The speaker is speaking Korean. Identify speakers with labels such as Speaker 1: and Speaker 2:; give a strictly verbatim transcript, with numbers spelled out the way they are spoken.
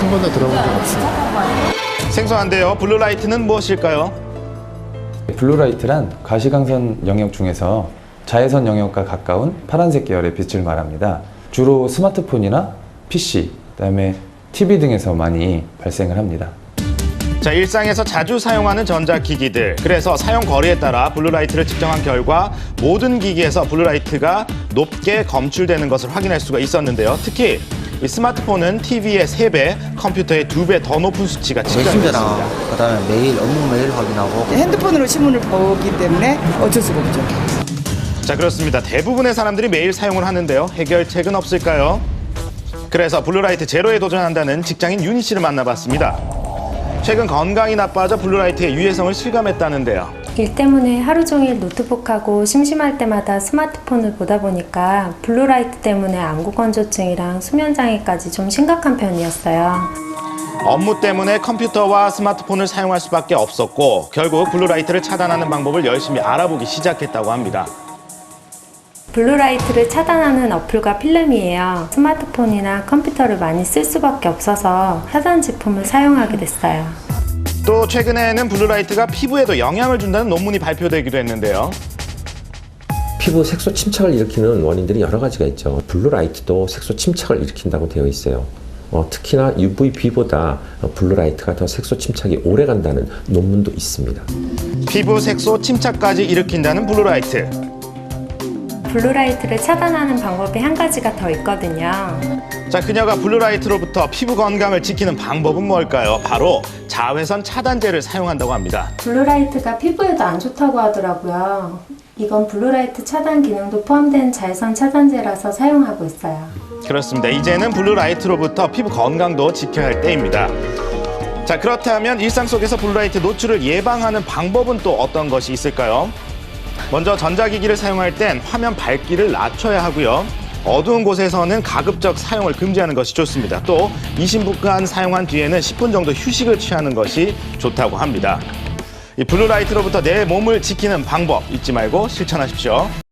Speaker 1: 한 번도 들어본 적 없습니다.
Speaker 2: 생소한데요. 블루라이트는 무엇일까요?
Speaker 3: 블루라이트란 가시광선 영역 중에서 자외선 영역과 가까운 파란색 계열의 빛을 말합니다. 주로 스마트폰이나 피씨, 그다음에 티비 등에서 많이 발생을 합니다.
Speaker 2: 자, 일상에서 자주 사용하는 전자기기들. 그래서 사용 거리에 따라 블루라이트를 측정한 결과 모든 기기에서 블루라이트가 높게 검출되는 것을 확인할 수가 있었는데요. 특히 이 스마트폰은 티비의 세 배, 컴퓨터의 두 배 더 높은 수치가 측정됐습니다.
Speaker 4: 메신저랑 그다음에 메일, 업무 메일 확인하고
Speaker 5: 핸드폰으로 신문을 보기 때문에 어쩔 수가 없죠.
Speaker 2: 자, 그렇습니다. 대부분의 사람들이 매일 사용을 하는데요. 해결책은 없을까요? 그래서 블루라이트 제로에 도전한다는 직장인 윤희 씨를 만나봤습니다. 최근 건강이 나빠져 블루라이트의 유해성을 실감했다는데요.
Speaker 6: 일 때문에 하루 종일 노트북하고 심심할 때마다 스마트폰을 보다 보니까 블루라이트 때문에 안구건조증이랑 수면장애까지 좀 심각한 편이었어요.
Speaker 2: 업무 때문에 컴퓨터와 스마트폰을 사용할 수밖에 없었고 결국 블루라이트를 차단하는 방법을 열심히 알아보기 시작했다고 합니다.
Speaker 6: 블루라이트를 차단하는 어플과 필름이에요. 스마트폰이나 컴퓨터를 많이 쓸 수밖에 없어서 차단 제품을 사용하게 됐어요.
Speaker 2: 또 최근에는 블루라이트가 피부에도 영향을 준다는 논문이 발표되기도 했는데요.
Speaker 7: 피부 색소 침착을 일으키는 원인들이 여러 가지가 있죠. 블루라이트도 색소 침착을 일으킨다고 되어 있어요. 어, 특히나 유브이비보다 블루라이트가 더 색소 침착이 오래 간다는 논문도 있습니다.
Speaker 2: 피부 색소 침착까지 일으킨다는 블루라이트.
Speaker 6: 블루라이트를 차단하는 방법이 한 가지가 더 있거든요.
Speaker 2: 자, 그녀가 블루라이트로부터 피부 건강을 지키는 방법은 뭘까요? 바로 자외선 차단제를 사용한다고 합니다.
Speaker 6: 블루라이트가 피부에도 안 좋다고 하더라고요. 이건 블루라이트 차단 기능도 포함된 자외선 차단제라서 사용하고 있어요.
Speaker 2: 그렇습니다. 이제는 블루라이트로부터 피부 건강도 지켜야 할 때입니다. 자, 그렇다면 일상 속에서 블루라이트 노출을 예방하는 방법은 또 어떤 것이 있을까요? 먼저 전자기기를 사용할 땐 화면 밝기를 낮춰야 하고요. 어두운 곳에서는 가급적 사용을 금지하는 것이 좋습니다. 또 이십 분간 사용한 뒤에는 십 분 정도 휴식을 취하는 것이 좋다고 합니다. 이 블루라이트로부터 내 몸을 지키는 방법 잊지 말고 실천하십시오.